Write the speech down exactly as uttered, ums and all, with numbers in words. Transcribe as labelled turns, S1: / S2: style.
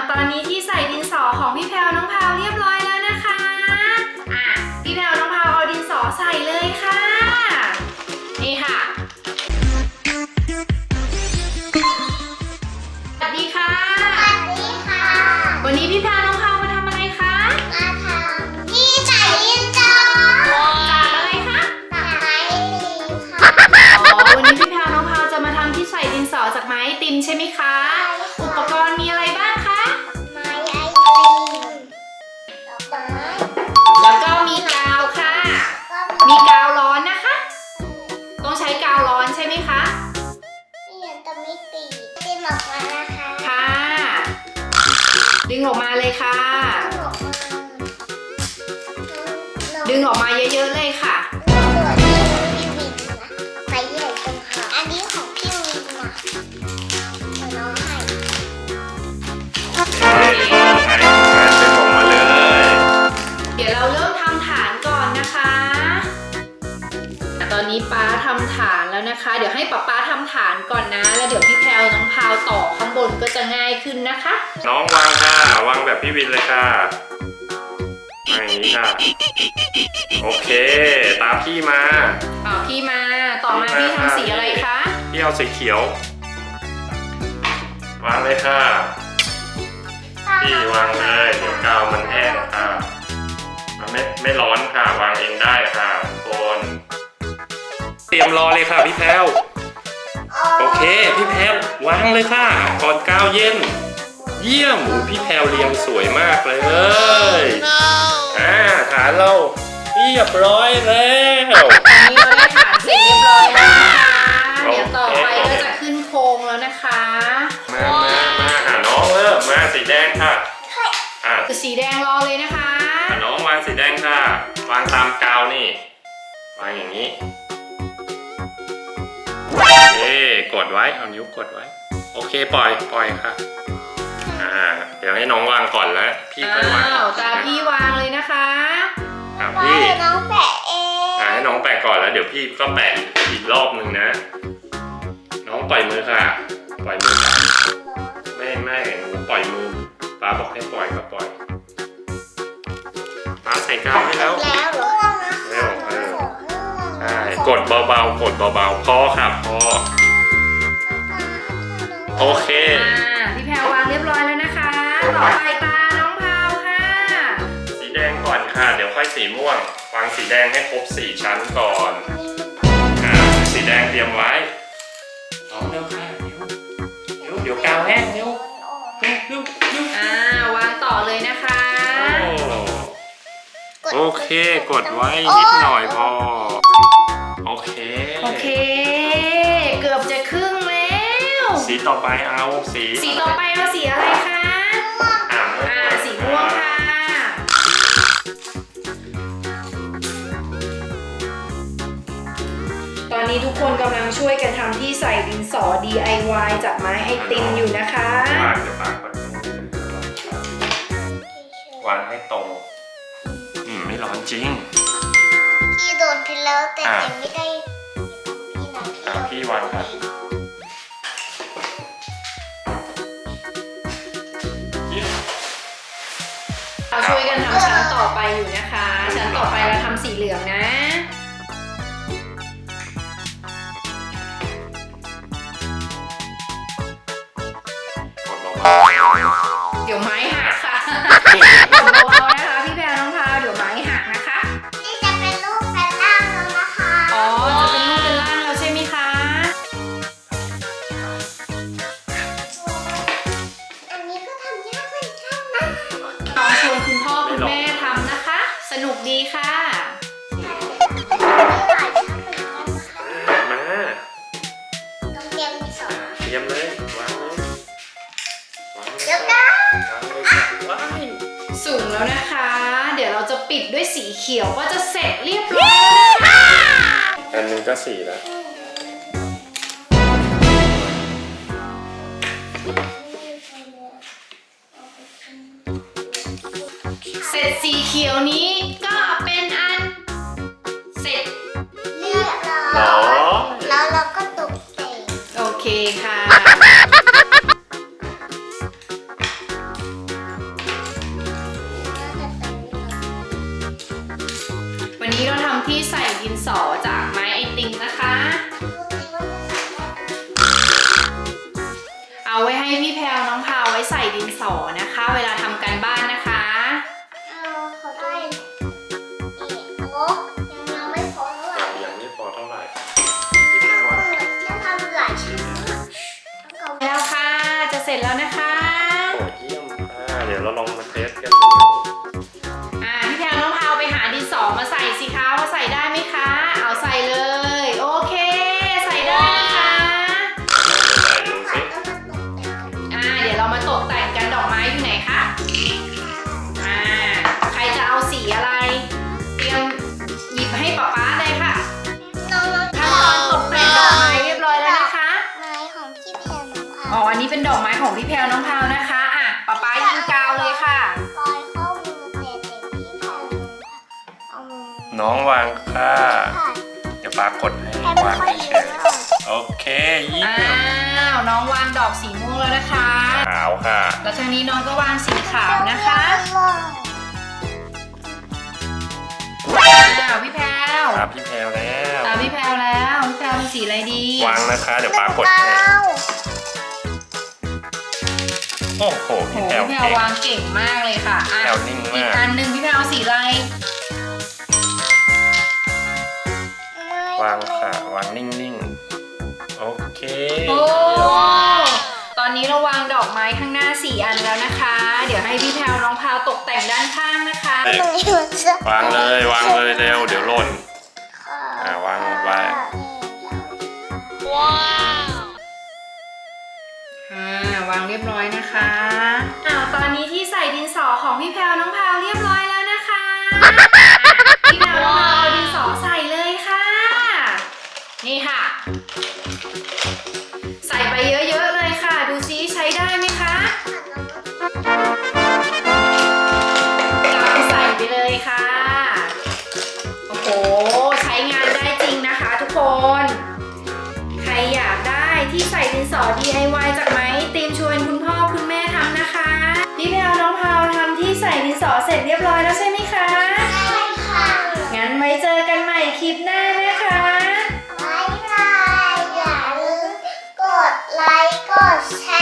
S1: ตอนนี้ที่ใส่ดินสอของพี่แพรวน้องพาวเรียบร้อยแล้วนะคะอ่ะพี่แพรวน้องพาวเอาดินสอใส่เลยค่ะนี่ค่ะสวัสดีค่ะ
S2: สวัสดีค่ะ
S1: วันนี้พี่แพรวน้องพาวมาทำอะไรคะ
S2: มาทำที่ใส่ดินสอ
S1: จากอะไรคะ
S2: จากไม้ติมค่ะ
S1: อ๋อวันนี้พี่แพรวน้องพาวจะมาทำที่ใส่ดินสอจากไม้ไอติมใช่ไหมคะอุปกรณ์มีอะไรบ้างคะ
S2: ไม้ไอติมดอกไม้
S1: แล้วก็มีกาวค่ะมีกาวร้อนนะคะต้องใช้กาวร้อนใช่ไหมคะ
S2: ที่ยังจะไม่ตีติมออกมานะคะ
S1: ค่ะดึงออกมาเลยค่ะดึงออกมาเยอะๆเลยค่ะ
S2: ไปใหญ่ตรงค่ะอันนี้ของพี่วินนะน้องให้
S1: เดี๋ยวเราเริ่มทำฐานก่อนนะคะตอนนี้ป๊าทำฐานแล้วนะคะเดี๋ยวให้ป๊าป๊าทำฐานก่อนนะแล้วเดี๋ยวพี่แพรวน้องพาวต่อข้างบนก็จะง่ายขึ้นนะคะ
S3: น้องวางค่ะวางแบบพี่วินเลยค่ะอย่างนี้ค่ะโอเคตามพี่มา
S1: ต่อพี่มาต่อมาพี่ทำสีอะไรคะ
S3: พี่เอาสีเขียววางเลยค่ะพี่วางเลยเดี๋ยวกาวมันแห้งค่ะมันไม่ไม่ร้อนค่ะวางเองได้ค่ะทุกคนเตรียมรอเลยค่ะพี่แพรวโอเคพี่แพรววางเลยค่ะก่อนกาวเย็นเยี่ยมพี่แพรวเรียงสวยมากเลยอ่าฐานเราเรียบร้อยแล้ว
S1: ตอนนี้เราได้ฐานเสร็จเรียบร้อยแล้วนะคะเดี๋ยวต่อไปก็จะขึ้นโครงแล้วนะคะ
S3: มามามาหาน้องเริ่มมาสีแดงค่ะอ่า
S1: สีแดงรอเลยนะคะ
S3: น้องวางสีแดงค่ะวางตามกาวนี่วางอย่างนี้โอเคกดไว้เอานิ้วกดไว้โอเคปล่อยปล่อยค่ะอ่าเดี๋ยวให้น้องวางก่อนแล้วพี่ค่อยวาง
S1: ตาพี่วางเลยนะคะ
S3: อ่าพี่
S2: น้องแปะเอง
S3: อ่าให้น้องแปะก่อนแล้วเดี๋ยวพี่ก็แปะอีกรอบหนึ่งนะน้องปล่อยมือค่ะปล่อยมือค่ะไม่ไม่หนูปล่อยมือป้าบอกให้ปล่อยก็ปล่อยป้าใส่กาวให้แล้ว
S2: แล้วเหรอ
S3: เร็วเออใช่กดเบาๆกดเบาๆพอค่ะพอโอเค
S1: พี่แพรวางเรียบร้อยแล้วนะคะต่อไปตาน้องพาวค่ะ
S3: สีแดงก่อนค่ะเดี๋ยวค่อยสีม่วงวางสีแดงให้ครบสี่ชั้นก่อนอ่าสีแดงเตรียมไว้น้องเร็วค่ะเดี๋ยวเดี๋ยวกาวแห้งเร็วเร็วเร็วเร็ว
S1: อ่าวางต่อเลยนะคะ
S3: โอเคกดไว้นิดหน่อยพอโอเค
S1: โอเคเกือบจะครึ่งแล้ว
S3: สีต่อไปเอาสี
S1: สีต่อไปเอาสีอะไรคะ
S3: อ่า
S1: อ่าสีม่วงค่ะตอนนี้ทุกคนกำลังช่วยกันทำที่ใส่ดินสอ ดี ไอ วาย จากไม้ไอติมอยู่นะคะ
S3: วางจะปากก่อนวางให้ตรงอืมไม่ร้อนจริง
S2: พี่โดนพิษแล้วแต่ยังไม่ได้พี่นะ
S3: พี่พี่วางครับ
S1: เราช่วยกันทำชั้นต่อไปอยู่นะคะชั้นต่อไปเราทำสีเหลืองนะเดี๋ยวไม้หักค่ะเบาๆนะคะพี่แพรน้องพาวเดี๋ยวไม้หักนะคะ
S2: นี่จะเป็นรูปเป็นร่างแล้วนะคะ
S1: อ๋อจะเป็นรูปเป็นร่างแล้วใช่ไหมคะ
S2: อันนี้ก็ทำยากเหมือนกันนะ
S1: ลองชวนคุณพ่อคุณแม่ทำนะคะสนุกดีค่ะ
S3: มา
S2: ต้องเตรียมดินสอ
S3: เตรียมเลยวางเลย
S2: เดี๋ยวกัน
S1: สูงแล้วนะคะเดี๋ยวเราจะปิดด้วยสีเขียวก็จะเสร็จเรียบร้อยแล้วนะคะ
S3: อันนึงก็สีแล้ว
S1: เสร็จสีเขียวนี้ก็เป็นอันเสร็จ
S2: เรียบร้อยแล้วเราก็ตกแต่ง
S1: โอเคค่ะนี้เราทำที่ใส่ดินสอจากไม้ไอติมนะคะ เอาไว้ให้พี่แพลวน้องพาวไว้ใส่ดินสอนะคะ เวลาทำการบ้านนะคะ
S2: เอาเขาได้นี่โอ้ยังยังไม่พอเท่าไหร่
S3: อย่างนี้พอเท่าไหร่
S2: จะทำหลายชิ้นมากเอา
S1: แล้วค่ะ จะเสร็จแล้วนะคะ
S3: โอ้เยี่ยมค่ะเดี๋ยวเราลองมาเทสกันดู
S1: อ่าพี่แพลวน้องพาวไปหาดินสอมาใส่สิคะว่าใส่ได้ไหมคะ เอาใส่เลย โอเค ใส่ได้นะคะ
S3: ใส่ดูสิ
S1: อ่า เดี๋ยวเรามาตกแต่งกันดอกไม้อยู่ไหนคะ อ่า ใครจะเอาสีอะไร เตรียมหยิบให้ป๊าป๊าเลยค่ะ
S2: น้องน้อง
S1: ขั้นตอนตกแต่งดอกไม้เรียบร้อยแล้วนะคะ
S2: ไม้ของพี่แพรน้องค่ะ
S1: อ๋อ อันนี้เป็นดอกไม้ของพี่แพลวน้องพาวนะคะ อ่ะป๊าป๊ายิงกาวเลยค่ะ
S2: ปล่อยเข้ามือเตะเตะพี่แพรน้องค่ะเอามือ
S3: น้องวางค่ะ
S2: ค่ะ
S3: เดี๋ยวปากดให้
S2: แค่ไม่
S3: วาง
S2: ค่อย
S3: เฉ
S2: เยอะ
S3: ยๆโอเคเยี่ย
S1: อ้าม ว น้องวางดอกสีม่วงแล้วนะคะ
S3: ขาวค่ะ
S1: แล้วทางนี้น้องก็วางสีขาวนะคะ อ้าว พี่แพลว
S3: ตามพี่แพลวแล้ว
S1: ตามพี่แพลวแล้ว พี่แพลวเป็นสีอะไรดี
S3: วางนะคะ เดี๋ยวปากดให้โอ้โห
S1: โห
S3: พี่แพลว
S1: พี่แพลว
S3: เก่ง
S1: วางเก่งมากเลยค่ะอ่ะ
S3: แพลวนิ่ง
S1: อี
S3: มาก ก
S1: อันหนึ่งพี่แพลวเอาสีอะไร
S3: วางค่ะ วางนิ่งๆ โอเค
S1: โอ้ ตอนนี้เราวางดอกไม้ข้างหน้าสี่อันแล้วนะคะ เดี๋ยวให้พี่แพลวน้องพาวตกแต่งด้านข้างนะคะ
S3: วางเลย วางเลยเร็ว เดี๋ยวหล่น อ่าวางไว้
S2: ว้าว
S1: อ่าวางเรียบร้อยนะคะอ้าวตอนนี้ที่ใส่ดินสอของพี่แพลวน้องพาวเรียบร้อยแล้วนะคะอ่ะพี่แพลวน้องพาวเอาดินสอใส่เลยค่ะ นี่ค่ะ ใส่ไปเยอะๆเลยค่ะ ดูซิใช้ได้ไหมคะกำใส่ไปเลยค่ะ โอ้โห ใช้งานได้จริงนะคะทุกคน ใครอยากได้ที่ใส่ดินสอ ดี ไอ วาย จากไหมตีมชวนคุณพ่อคุณแม่ทำนะคะ พี่แพลวน้องพาวทำที่ใส่ดินสอเสร็จเรียบร้อยแล้วใช่ไหมคะ
S2: ใช่ค่ะ
S1: งั้นไว้เจอกันใหม่คลิปหน้านะคะ
S2: บ๊ายบายอย่าลืมกดไลค์ กดแช